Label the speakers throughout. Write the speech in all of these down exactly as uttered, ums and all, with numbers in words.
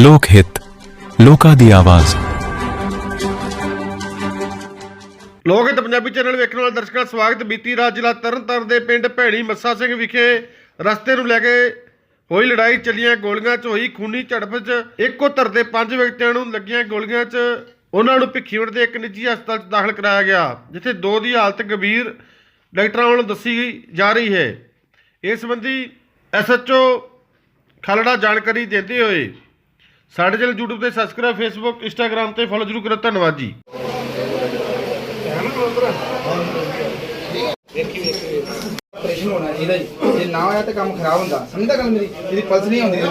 Speaker 1: ਲੋਕ ਹਿੱਤ, ਲੋਕਾਂ ਦੀ ਆਵਾਜ਼।
Speaker 2: ਲੋਕ ਹਿੱਤ ਪੰਜਾਬੀ ਚੈਨਲ ਵੇਖਣ ਵਾਲੇ ਦਰਸ਼ਕਾਂ ਦਾ ਸਵਾਗਤ। ਬੀਤੀ ਰਾਤ ਜ਼ਿਲ੍ਹਾ ਤਰਨਤਾਰਨ ਦੇ ਪਿੰਡ ਭੈਣੀ ਮੱਸਾ ਸਿੰਘ ਵਿਖੇ ਰਸਤੇ ਨੂੰ ਲੈ ਕੇ ਹੋਈ ਲੜਾਈ ਚੱਲੀਆਂ ਗੋਲੀਆਂ 'ਚ ਹੋਈ ਖੂਨੀ ਝੜਪ 'ਚ ਇੱਕੋ ਧਰ ਦੇ ਪੰਜ ਵਿਅਕਤੀਆਂ ਨੂੰ ਲੱਗੀਆਂ ਗੋਲੀਆਂ 'ਚ ਉਹਨਾਂ ਨੂੰ ਭਿੱਖੀਵਿੰਡ ਦੇ ਇੱਕ ਨਿੱਜੀ ਹਸਪਤਾਲ 'ਚ ਦਾਖਲ ਕਰਾਇਆ ਗਿਆ, ਜਿੱਥੇ ਦੋ ਦੀ ਹਾਲਤ ਗੰਭੀਰ ਡਾਕਟਰਾਂ ਵੱਲੋਂ ਦੱਸੀ ਜਾ ਰਹੀ ਹੈ। ਇਸ ਸੰਬੰਧੀ ਐਸ ਐਚ ਓ ਖਾਲੜਾ ਜਾਣਕਾਰੀ ਦਿੰਦੇ ਹੋਏ ਸਾਡੇ ਚੈਨਲ YouTube ਤੇ ਸਬਸਕ੍ਰਾਈਬ, ਫੇਸਬੁੱਕ, ਇੰਸਟਾਗ੍ਰਾਮ ਤੇ ਫੋਲੋ ਜ਼ਰੂਰ ਕਰੋ। ਧੰਨਵਾਦ ਜੀ।
Speaker 3: ਆਪਰੇਸ਼ਨ ਹੋਣਾ ਚਾਹੀਦਾ ਜੀ, ਜੇ ਨਾ ਹੋਇਆ ਤਾਂ ਕੰਮ ਖਰਾਬ ਹੁੰਦਾ। ਸਮਝਦਾ ਗੱਲ ਮੇਰੀ? ਇਹਦੀ ਪਲਸ ਨਹੀਂ ਆਉਂਦੀ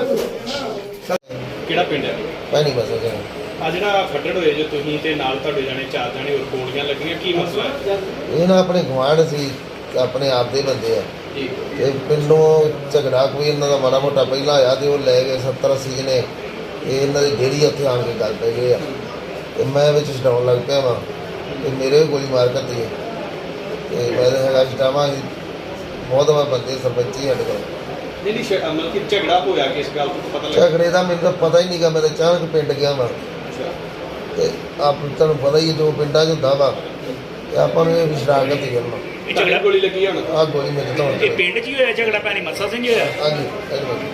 Speaker 4: ਕਿਹੜਾ ਪਿੰਡ ਹੈ?
Speaker 5: ਭੈਣੀ ਮੱਸਾ ਸਿੰਘ।
Speaker 4: ਆ ਜਿਹੜਾ ਫੱਟੜ ਹੋਏ ਜੋ ਤੁਸੀਂ ਤੇ ਨਾਲ ਤੁਹਾਡੇ ਜਾਣੇ ਚਾਰ ਜਾਣੇ ਹੋਰ ਗੋਲੀਆਂ ਲੱਗੀਆਂ, ਕੀ ਮਸਲਾ ਹੈ? ਇਹ
Speaker 5: ਨਾ ਆਪਣੇ ਗੁਆਂਢ ਸੀ, ਆਪਣੇ ਆਪ ਦੇ ਬੰਦੇ ਆ
Speaker 4: ਜੀ,
Speaker 5: ਤੇ ਪਿੰਡੋਂ ਝਗੜਾ ਕੋਈ ਇਹਨਾਂ ਦਾ ਮਾੜਾ ਮੋਟਾ ਪਹਿਲਾਂ ਆਇਆ ਤੇ ਉਹ ਲੈ ਗਏ ਸੱਤਰ ਅੱਸੀ ਜਣੇ। ਇਹ ਇਹਨਾਂ ਦੀ ਡੇਰੀ ਉੱਥੇ ਆਣ ਕੇ ਗੱਲ ਪੈ ਗਏ ਆ ਤੇ ਮੈਂ ਵਿੱਚ ਛਡਾਉਣ ਲੱਗ ਪਿਆ ਵਾਂ ਤੇ ਮੇਰੇ ਵੀ ਗੋਲੀ ਮਾਰ ਕਰਤੀ ਹੈ ਤੇ ਮੈਂ ਹੈਗਾ ਛਡਾਵਾਂ ਸੀ ਬਹੁਤ ਵਾਰ ਬੰਦੇ ਸਰਪੰਚੀ ਸਾਡੇ ਕੋਲ।
Speaker 4: ਨਹੀਂ ਨਹੀਂ ਮਤਲਬ ਕਿ ਝਗੜਾ ਹੋਇਆ ਕਿਸ ਗੱਲ ਤੋਂ ਪਤਾ ਲੱਗਾ?
Speaker 5: ਝਗੜੇ ਦਾ ਮੈਨੂੰ ਤਾਂ ਪਤਾ ਹੀ ਨਹੀਂ ਗਾ, ਮੈਂ ਤਾਂ ਅਚਾਨਕ ਪਿੰਡ ਗਿਆ ਵਾਂ ਤੇ ਆਪ ਤੁਹਾਨੂੰ ਪਤਾ ਹੀ ਹੈ ਜੋ ਪਿੰਡਾਂ 'ਚ ਹੁੰਦਾ ਵਾ ਤੇ ਆਪਾਂ ਨੂੰ ਇਹ ਵੀ ਸ਼ਰਾਰਤ ਹੀ ਕਰਨਾ।
Speaker 4: ਇਹ ਝਗੜਾ ਗੋਲੀ ਲੱਗੀ ਹੁਣ?
Speaker 5: ਆਹ ਗੋਲੀ ਮੇਰੇ ਤੋਂ
Speaker 6: ਇਹ ਪਿੰਡ 'ਚ ਹੀ ਹੋਇਆ ਝਗੜਾ? ਭੈਣੀ ਮੱਸਾ ਸਿੰਘ ਹੋਇਆ?
Speaker 5: ਹਾਂਜੀ ਹਾਂਜੀ।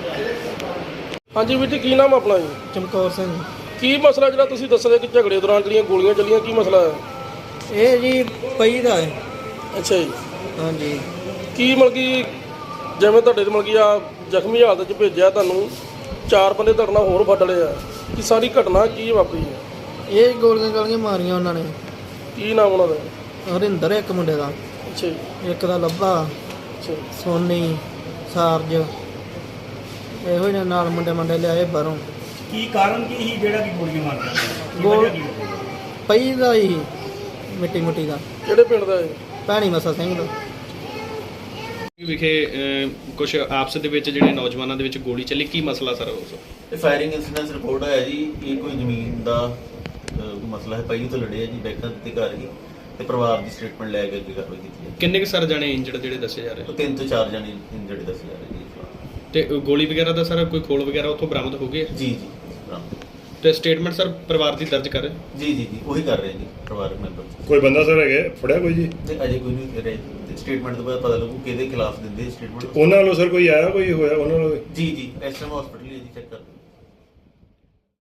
Speaker 2: ਹਾਂਜੀ ਵੀਰ ਜੀ, ਕੀ ਨਾਮ ਆਪਣਾ ਜੀ?
Speaker 7: ਚਮਕੌਰ ਸਿੰਘ।
Speaker 2: ਕੀ ਮਸਲਾ ਜਿਹੜਾ ਤੁਸੀਂ ਦੱਸਦੇ ਕਿ ਝਗੜੇ ਦੌਰਾਨ ਜਿਹੜੀਆਂ ਗੋਲੀਆਂ ਚੱਲੀਆਂ, ਕੀ ਮਸਲਾ ਹੈ?
Speaker 7: ਇਹ ਜੀ ਪਈ ਦਾ ਹੈ।
Speaker 2: ਅੱਛਾ ਜੀ,
Speaker 7: ਹਾਂਜੀ।
Speaker 2: ਕੀ ਮਤਲਬ ਕਿ ਜਿਵੇਂ ਤੁਹਾਡੇ ਤੇ ਮਤਲਬ ਕਿ ਆ ਜ਼ਖਮੀ ਹਾਲਤ 'ਚ ਭੇਜਿਆ, ਤੁਹਾਨੂੰ ਚਾਰ ਬੰਦੇ ਤੁਹਾਡੇ ਨਾਲ ਹੋਰ ਫੱਟ ਲਏ ਆ, ਕਿ ਸਾਰੀ ਘਟਨਾ ਕੀ ਵਾਪਰੀ ਹੈ?
Speaker 7: ਇਹ ਗੋਲੀਆਂ ਗਾਲੀਆਂ ਮਾਰੀਆਂ ਉਹਨਾਂ ਨੇ।
Speaker 2: ਕੀ ਨਾਮ ਉਹਨਾਂ ਦਾ?
Speaker 7: ਹਰਿੰਦਰ ਇੱਕ ਮੁੰਡੇ ਦਾ,
Speaker 2: ਅੱਛਾ ਜੀ,
Speaker 7: ਇੱਕ ਦਾ ਲੱਭਾ,
Speaker 2: ਅੱਛਾ ਜੀ।
Speaker 7: ਸੋਨੀ, ਸਾਰਜ, ਇਹੋ ਜਿਹੇ ਨਾਲ ਮੁੰਡੇ ਮੁੰਡੇ ਲਿਆਏ ਬਾਹਰੋਂ।
Speaker 6: ਕੀ ਕਾਰਨ ਕੀ ਸੀ ਜਿਹੜਾ ਕਿ ਗੋਲੀਆਂ ਮਾਰਦਾ?
Speaker 7: ਗੋਲ ਪਈ ਦਾ ਹੀ ਮਿੱਟੀ ਮੁੱਟੀ ਦਾ।
Speaker 2: ਕਿਹੜੇ ਪਿੰਡ ਦਾ ਹੈ?
Speaker 7: ਭੈਣੀ ਮੱਸਾ ਸਿੰਘ ਦਾ।
Speaker 4: ਵਿਖੇ ਕੁਝ ਆਪਸ ਦੇ ਵਿੱਚ ਜਿਹੜੇ ਨੌਜਵਾਨਾਂ ਦੇ ਵਿੱਚ ਗੋਲੀ ਚੱਲੀ, ਕੀ ਮਸਲਾ ਸਰ ਉਸ?
Speaker 8: ਇਹ ਫਾਇਰਿੰਗ ਇਨਸੀਡੈਂਸ ਰਿਪੋਰਟ ਆਇਆ ਜੀ। ਇਹ ਕੋਈ ਜ਼ਮੀਨ ਦਾ ਅਹ, ਮਸਲਾ ਹੈ। ਪਹਿਲੀ ਤੋਂ ਲੜੇ ਆ ਜੀ, ਬੈਕਾਂ ਦੇ ਘਰ ਹੀ ਤੇ ਪਰਿਵਾਰ ਦੀ ਸਟੇਟਮੈਂਟ ਲੈ ਕੇ ਅੱਗੇ ਕਾਰਵਾਈ ਕੀਤੀ ਹੈ।
Speaker 4: ਕਿੰਨੇ ਕੁ ਸਰ ਜਾਣੇ ਇੰਜਰਡ ਜਿਹੜੇ ਦੱਸੇ ਜਾ ਰਹੇ?
Speaker 8: ਤੋਂ ਤਿੰਨ ਤੋਂ ਚਾਰ ਜਣੇ ਇੰਜਰਡ ਦੱਸੇ ਜਾ ਰਹੇ ਜੀ।
Speaker 4: ਤੇ ਗੋਲੀ ਵਗੈਰਾ ਦਾ ਸਰ ਕੋਈ ਖੋਲ ਵਗੈਰਾ ਉੱਥੋਂ ਬਰਾਮਦ ਹੋ ਗਏ?
Speaker 8: ਜੀ ਜੀ
Speaker 4: ਤੇ ਸਟੇਟਮੈਂਟ ਸਰ ਪਰਿਵਾਰ ਦੀ ਦਰਜ ਕਰ?
Speaker 8: ਜੀ ਜੀ ਜੀ ਉਹੀ ਕਰ ਰਹੇ ਜੀ ਪਰਿਵਾਰਕ ਮੈਂਬਰ।
Speaker 9: ਕੋਈ ਬੰਦਾ ਸਰ ਹੈਗਾ ਫੜਿਆ ਕੋਈ ਜੀ?
Speaker 8: ਤੇ ਅਜੇ ਕੋਈ ਨਹੀਂ ਰਹੇ। ਸਟੇਟਮੈਂਟ ਤੋਂ ਬਾਅਦ ਪਤਾ ਲੱਗੂ ਕਿਹਦੇ ਖਿਲਾਫ ਦਿੰਦੇ ਸਟੇਟਮੈਂਟ।
Speaker 9: ਉਹਨਾਂ ਵੱਲੋਂ ਸਰ ਕੋਈ ਆਇਆ, ਕੋਈ ਹੋਇਆ ਉਹਨਾਂ ਵੱਲੋਂ?
Speaker 8: ਜੀ ਜੀ ਇਸ ਟਾਈਮ ਹਸਪੀਟਲ ਹੀ ਜੀ, ਚੈੱਕ ਕਰ